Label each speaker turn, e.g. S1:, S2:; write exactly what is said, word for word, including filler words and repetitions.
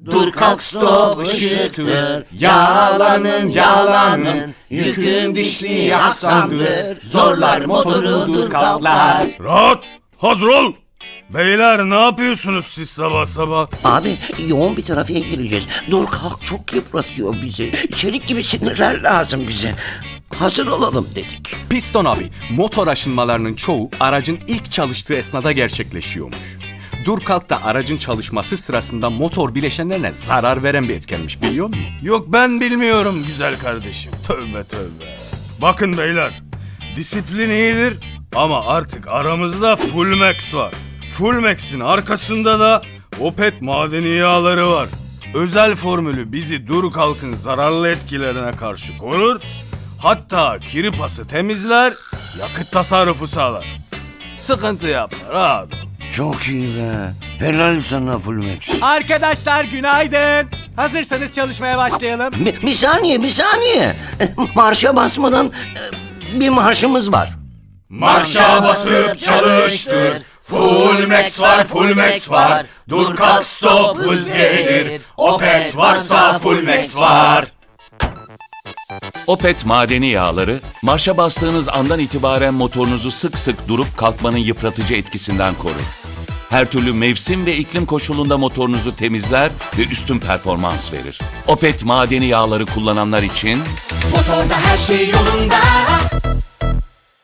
S1: Dur kalk stop ışıktır, yağlanın yağlanın, yükün dişli aslandır, zorlar motoru dur kalklar.
S2: Rahat, hazır ol. Beyler ne yapıyorsunuz siz sabah sabah?
S3: Abi yoğun bir trafiğe gireceğiz. Dur kalk çok yıpratıyor bizi. Çelik gibi sinirler lazım bize. Hazır olalım dedik.
S4: Piston abi, motor aşınmalarının çoğu aracın ilk çalıştığı esnada gerçekleşiyormuş. Dur kalk da aracın çalışması sırasında motor bileşenlerine zarar veren bir etkenmiş, biliyor musun?
S2: Yok ben bilmiyorum güzel kardeşim. Tövbe tövbe. Bakın beyler, disiplin iyidir ama artık aramızda Full Max var. Full Max'in arkasında da Opet madeni yağları var. Özel formülü bizi dur kalkın zararlı etkilerine karşı korur. Hatta kiri pası temizler, yakıt tasarrufu sağlar. Sıkıntı yapma, rahat ol.
S3: Çok iyi be. Helal sana Full Max.
S5: Arkadaşlar günaydın. Hazırsanız çalışmaya başlayalım.
S3: Bir, bir saniye bir saniye. Marşa basmadan e, bir marşımız var.
S1: Marşa basıp çalıştır, full max var full max var, dur kalk stop hız gelir, Opet varsa full max var.
S6: Opet madeni yağları, marşa bastığınız andan itibaren motorunuzu sık sık durup kalkmanın yıpratıcı etkisinden korur. Her türlü mevsim ve iklim koşulunda motorunuzu temizler ve üstün performans verir. Opet madeni yağları kullananlar için
S1: Motorda her şey yolunda,